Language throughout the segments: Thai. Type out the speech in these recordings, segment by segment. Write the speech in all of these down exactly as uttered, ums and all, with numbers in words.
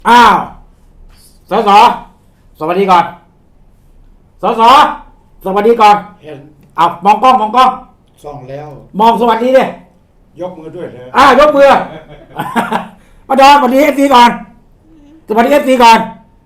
อ้าวสสสวัสดีก่อนสสสวัสดีก่อนเห็นเอามองกล้องมองกล้องส่องแล้วมองสวัสดีดิยกมือด้วยเลยอ่ายกมือมาดอนสวัสดีเอฟซีก่อนสวัสดีเอฟซีก่อน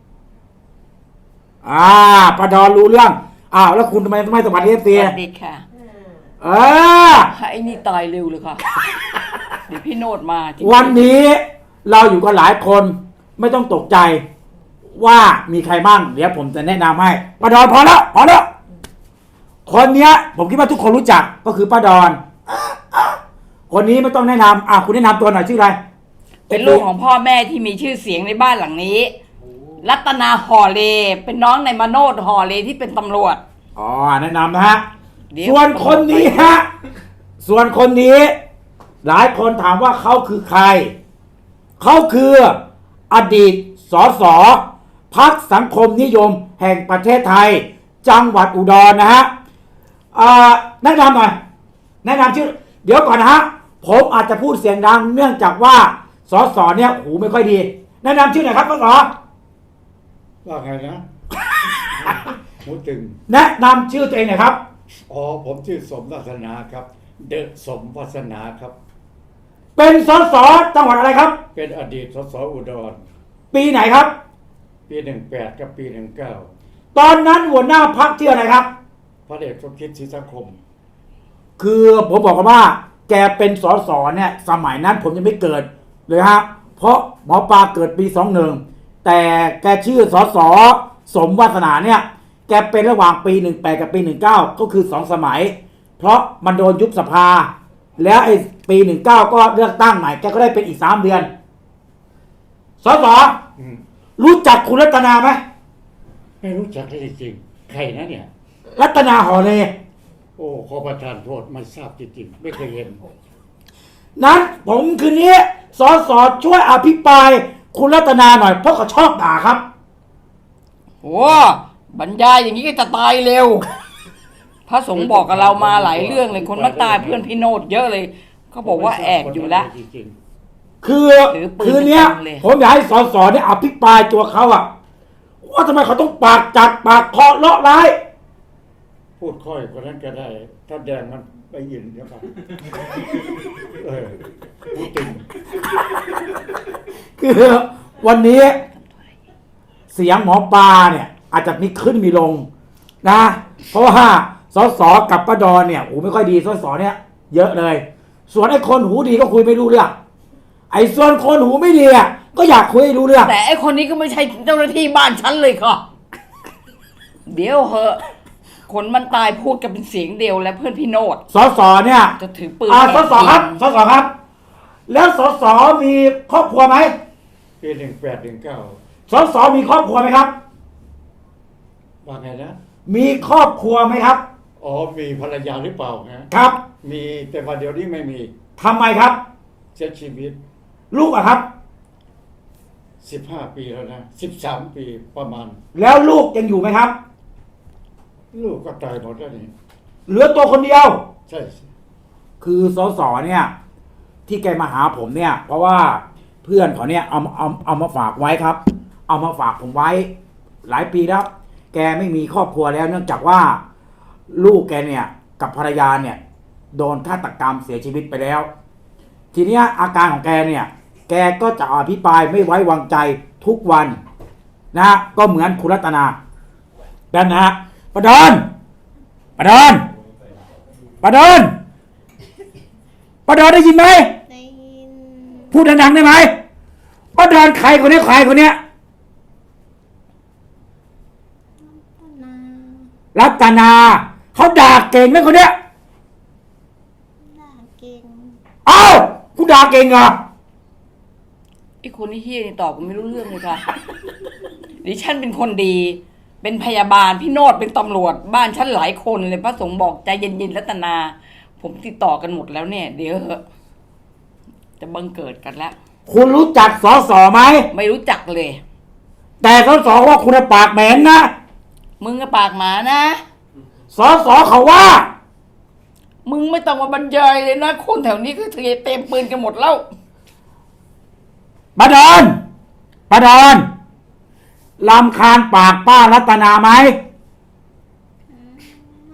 อ่าปะดอนรู้เรื่องอ้าวแล้วคุณทำไมไม่สวัสดีเอฟซีสวัสดีค่ะเออไอ้นี่ตายเร็วเลยค่ะเดี๋ยวพี่โนดมาวันนี้เราอยู่กันหลายคนไม่ต้องตกใจว่ามีใครบ้างเดี๋ยวผมจะแนะนำให้ป้าดอนพอแล้วพอแล้วคนเนี้ยผมคิดว่าทุกคนรู้จักก็คือป้าดอนคนนี้ไม่ต้องแนะนำอ่ะคุณแนะนำตัวหน่อยชื่ออะไรเป็นลูกของพ่อแม่ที่มีชื่อเสียงในบ้านหลังนี้รัตนาห่อเลเป็นน้องในมโนดห่อเลที่เป็นตำรวจอ๋อแนะนำนะฮะส่วนคนนี้ฮะส่วนคนนี้หลายคนถามว่าเขาคือใครเขาคืออดีตสสพรรคสังคมนิยมแห่งประเทศไทยจังหวัดอุดรนะฮะแนะนำหน่อยแนะนำชื่อเดี๋ยวก่อนนะฮะผมอาจจะพูดเสียงดังเนื่องจากว่าสสเนี่ยหูไม่ค่อยดีแนะนำชื่อหน่อยครับสสว่าไงนะหูตึงแนะนำชื่อตัวเองหน่อยครับอ๋อผมชื่อสมวัฒนาครับเดอะสมวัฒนาครับเป็นสสจังหวัดอะไรครับเป็นอดีตสสอุดรปีไหนครับปีหนึ่งแปดกับปีหนึ่งเก้าตอนนั้นหัวหน้าพรรคชื่ออะไรครับพระเดชสมคิดศรีสังคมคือผมบอกกันว่าแกเป็นสสเนี่ยสมัยนั้นผมยังไม่เกิดเลยฮะเพราะหมอปลาเกิดปีสองหนึ่งแต่แกชื่อสสสมวาสนาเนี่ยแกเป็นระหว่างปีหนึ่งแปดกับปีหนึ่งเก้าก็คือสองสมัยเพราะมันโดนยุบสภาแล้วไอ้ปีหนึ่งเก้าก็เลือกตั้งใหม่แกก็ได้เป็นอีกสามเดือนสสรู้จักคุณรัตนาไหมไม่รู้จักเลยจริงใครนะเนี่ยรัตนาหอเลโอ้ขอประทานโทษไม่ทราบจริงๆไม่เคยเห็นนั้นผมคืนนี้สสช่วยอภิปรายคุณรัตนาหน่อยเพราะเขาชอบด่าครับโอ้บรรยายอย่างนี้ก็จะตายเร็วพระสงฆ์บอกกับเรามาหลายเรื่องเลยคนมาตายเพื่อนพี่โนดเยอะเลยเขาบอกว่าแอบอยู่แล้วคือคืนนี้ผมอยากให้สสเนี่ยอภิปรายตัวเขาอะว่าทำไมเขาต้องปากจัดปากเคาะเลาะร้ายพูดค่อยคนนั้นก็ได้ถ้าแดงมันไปยินเดี๋ยวครับเออพูดตึงคือวันนี้เสียงหมอปลาเนี่ยอาจจะมีขึ้นมีลงนะเพราะว่าสสกับป้าดอนเนี่ยหูไม่ค่อยดีสสเนี่ยเยอะเลยส่วนไอ้คนหูดีก็คุยไม่รู้เรื่องไอ้ส่วนคนหูไม่ดีอ่ะก็อยากคุยให้รู้เรื่องแต่ไอ้คนนี้ก็ไม่ใช่เจ้าหน้าที่บ้านฉันเลยค่ะเดี๋ยวเหอะคนมันตายพูดกันเป็นเสียงเดียวและเพื่อนพี่โนดสสเนี่ยจะถือปืนอ่าสสครับสสครับแล้วสสมีครอบครัวไหมปีหนึ่งแปดหนึ่งเก้าสสมีครอบครัวไหมครับว่าไงนะมีครอบครัวไหมครับอ๋อมีภรรยาหรือเปล่าฮะครับมีแต่ว่าเดี๋ยวนี้ไม่มีทำไมครับเสียชีวิตลูกอะครับสิบห้าปีแล้วนะสิบสามปีประมาณแล้วลูกยังอยู่ไหมครับลูกก็ตายหมดแล้วนี่เหลือตัวคนเดียวใช่คือสสเนี่ยที่แกมาหาผมเนี่ยเพราะว่าเพื่อนเขาเนี่ยเอาเอาเอามาฝากไว้ครับเอามาฝากผมไว้หลายปีแล้วแกไม่มีครอบครัวแล้วเนื่องจากว่าลูกแกเนี่ยกับภรรยาเนี่ยโดนฆาตกรรมเสียชีวิตไปแล้วทีเนี้ยอาการของแกเนี่ยแกก็จะอภิปรายไม่ไว้วางใจทุกวันนะก็เหมือนคุณรัตนาดันนะฮะประดอนประดอนประดอนประดอนได้ยินไหมได้ยินพูดดังๆได้ไหมประดอนใครคนนี้ใครคนเนี้ยรัตนาเขาด่าเก่งไหมคนเนี้ยด่าเก่งเอ้ากูด่าเก่งเหรอไอ้คนที่เฮี้ยนี่ตอบผมไม่รู้เรื่องเลยค่ะดิฉันเป็นคนดีเป็นพยาบาลพี่โนดเป็นตำรวจบ้านฉันหลายคนเลยพระสงฆ์บอกใจเย็นๆรัตนาผมติดต่อกันหมดแล้วเนี่ยเดี๋ยวจะบังเกิดกันแล้วคุณรู้จักสสไหมไม่รู้จักเลยแต่สสว่าคุณปากแหมนนะมึงก็ปากหมานะสสเขาว่ามึงไม่ต้องมาบรรยายเลยนะคนแถวนี้ก็เตรียมปืนกันหมดแล้วประดอนปป้าดอนลำคาญปากป้ารัตนาไหมไม่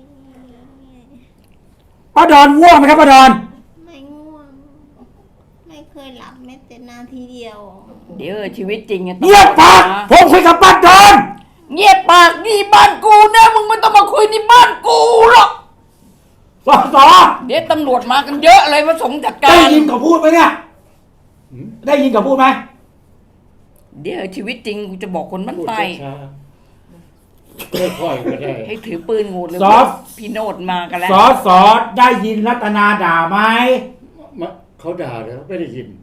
ป้าดอนง่วงไหมครับป้าดอนไม่ง่วง ไม่เคยหลับแม้แต่นาทีเดียวเดี๋ยวชีวิตจริงอะเงียบปากผมคุยกับป้าดอนเงียบปากนี่บ้านกูนะมึงไม่ต้องมาคุยในบ้านกูหรอกสอสอเดี๋ยวตำรวจมากันเยอะเลยพระสงฆ์จัดกาได้รยินเขาพูดไหมเนี่ยหืมได้ยินเขาพูดไหมเดี๋ยวชีวิตจริงกูจะบอกคนบ้านพูดใต้ช้าๆค่อยๆก็ได้ให้ถือปืนงูเลยสอพี่โนดมากันแล้วสอสอได้ยินรัตนาด่าไหมมาเขาด่าแล้วไม่ได้ยิน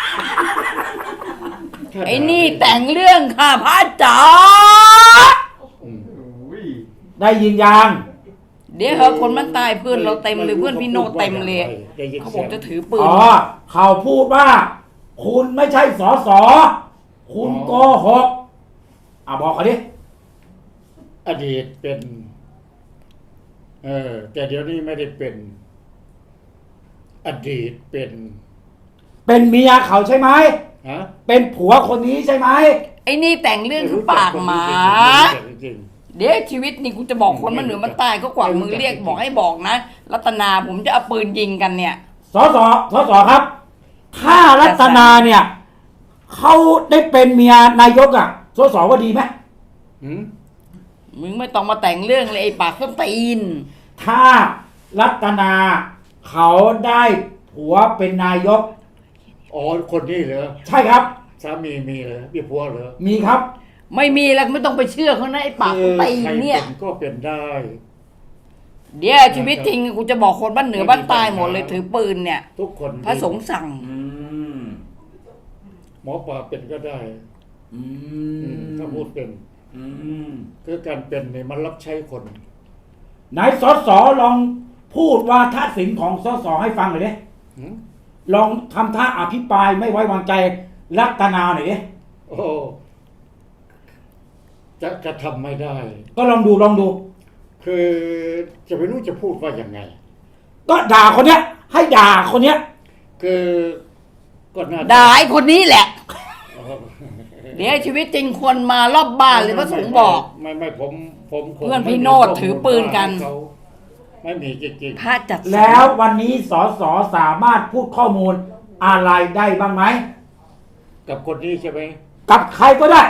ถ้าด่าไอ้นี่แต่งเรื่องค่ะพระจ๋าอืมได้ยินยังเดี๋ยวเหอะคนบ้านใต้เพื่อนเราเต็มเลยเพื่อนพี่โนดเต็มเลยได้ยินเขาบเสีอย กงจะถือปืนอ๋อเขาพูดว่า คุณไม่ใช่สอสอคุณโกหกอ่ะบอกเขาดิอดีตเป็น เออ แต่เดี๋ยวนี้ไม่ได้เป็น อดีตเป็นเป็นเมียเขาใช่ไหมฮะเป็นผัวคนนี้ใช่ไหมไอ้นี่แต่งเรื่องคือปากหมาจริงเดี๋ยวชีวิตนี่กูจะบอกคนมันเหนือมันใต้ก็กว่ามือเรียกบอกให้บอกนะรัตนาผมจะเอาปืนยิงกันเนี่ยสอสอสอสอครับ ถ้ารัตนาเนี่ยเขาได้เป็นเมียนายกอ่ะสอสอว่าดีไหมๆหืมมึงไม่ต้องมาแต่งเรื่องเลยไอ้ปากส้นตีนถ้ารัตนาเขาได้ผัวเป็นนายกอ๋อคนนี้เหรอใช่ครับสามีมีเหรอมีผัวเหรอมีครับไม่มีแล้วไม่ต้องไปเชื่อเขานะไอ้ปากส้นตีนใครเนี่ยเป็นก็เป็นได้เดี๋ยวชีวิตจริงกูจะบอกคนบ้านเหนือบ้านใต้หมดเลยถือปืนเนี่ยทุกคนพระสงฆ์สั่งอืมหมอปลาเป็นก็ได้อือืมมถ้าพูดเป็นอืมคือการเป็นเนี่ยมันรับใช้คนไหนสอสอลองพูดว่าท่าสินของสอสอให้ฟังหน่อยดิหืมลองทำท่าอภิปรายไม่ไว้วางใจรัตนาหน่อยดิโอ้จะจะทำไม่ได้ก็ลองดูลองดูคือจะไม่รู้จะพูดว่ายังไงก็ด่าคนเนี้ย ให้ด่าคนเนี้ยคือก็น่าจะด่าไอ้คนนี้แหละอ๋อเดี๋ยวชีวิตจริงคนมารอบบ้านเลยพระสงฆ์บอกไม่ไม่ผมผมคงเพื่อนพี่ไม่มีโนดถือปืนกันเขาไม่มีจริงพระจัดสรรแล้ววันนี้สอสอสามารถพูดข้อมูลอะไรได้บ้างไหมๆกับคนนี้ใช่ไหมกับใครก็ได้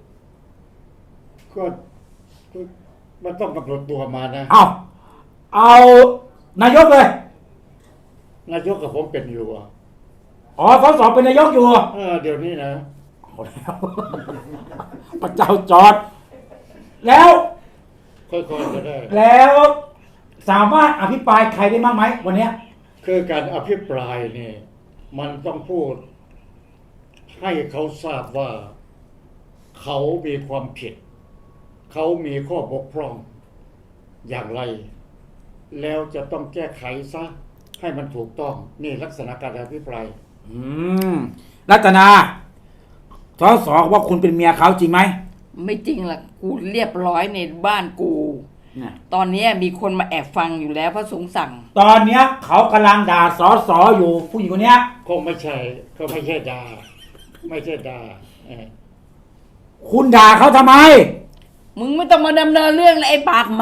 ก็ก็มันต้องกำหนดตัวมานะเอาเอานายกเลยนายกกับผมเป็นอยู่อ่ะอ๋อสอสอเป็นนายกอยู่เออเดี๋ยวนี้นะเอาแล้ว พระเจ้าจอด แล้วค่อยๆก็ได้แล้วสามารถอภิปรายใครได้บ้างไหมวันเนี้ยคือการอภิปรายเนี่ยมันต้องพูด ให้เขาทราบว่า เขามีความผิด เขามีข้อบกพร่องอย่างไร แล้วจะต้องแก้ไขซะให้มันถูกต้อง นี่ลักษณะการอภิปรายอืมรัตนาสอสอว่าคุณเป็นเมียเขาจริงไหมไม่จริงล่ะกูเรียบร้อยในบ้านกูเนี่ยตอนนี้มีคนมาแอบฟังอยู่แล้วพระสงฆ์สั่งตอนเนี้ยเขากำลังด่าสอสออยู่ผู้หญิงคนเนี้ยคงไม่ใช่เขาไม่ใช่ดา ไม่ใช่ดาเออคุณด่าเขาทำไมมึงไม่ต้องมาดำเนินเรื่องเลยไอ้ปากหมา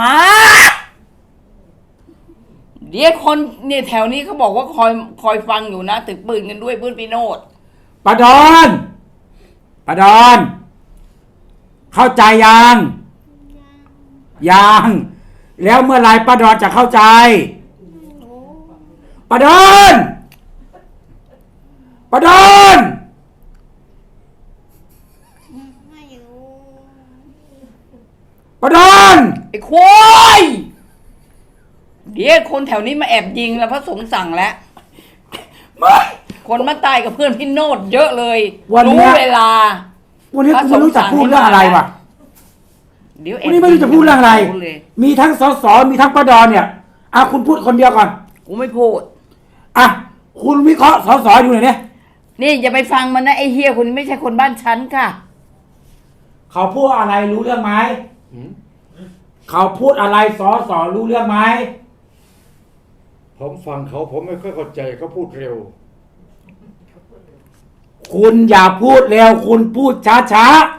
เดี๋ยวคนเนี่ยแถวนี้เขาบอกว่าคอยคอยฟังอยู่นะถือปืนกันด้วยเพื่อนพี่โนดปะดอนปะดอน เข้าใจยัง ยัง แล้วเมื่อไหรป้าดอนจะเข้าใจป้าดอนป้าดอนไม่รู้ป้าดอนไอ้ควายเดี๋ยวคนแถวนี้มาแอบยิงแล้วพระสงฆ์สั่งแล้วไม่คนมาตายกับเพื่อนพี่โนดเยอะเลยวันเนี้รู้ยเวลาวันนี้กูไม่รู้จะพูดเรื่องอะไรวะเดี๋ยวแอบวันนี้ไม่รู้จะพูดเรื่องอะไรรู้เลยมีทั้งสสมีทั้งป้าดอนเนี่ยอ่ะคุณพูดคนเดียวก่อนกูไม่พูดอ่ะคุณวิเคราะห์สสอยู่ไหนเนี่ยนี่อย่าไปฟังมันนะไอ้เฮียคนนี้ไม่ใช่คนบ้านฉันค่ะเขาพูดอะไรรู้เรื่องไหมหืมเขาพูดอะไรสอสอรู้เรื่องไหมผมฟังเขาผมไม่ค่อยเข้าใจเขาพูดเร็วคุณอย่าพูดเร็วคุณพูดช้าๆ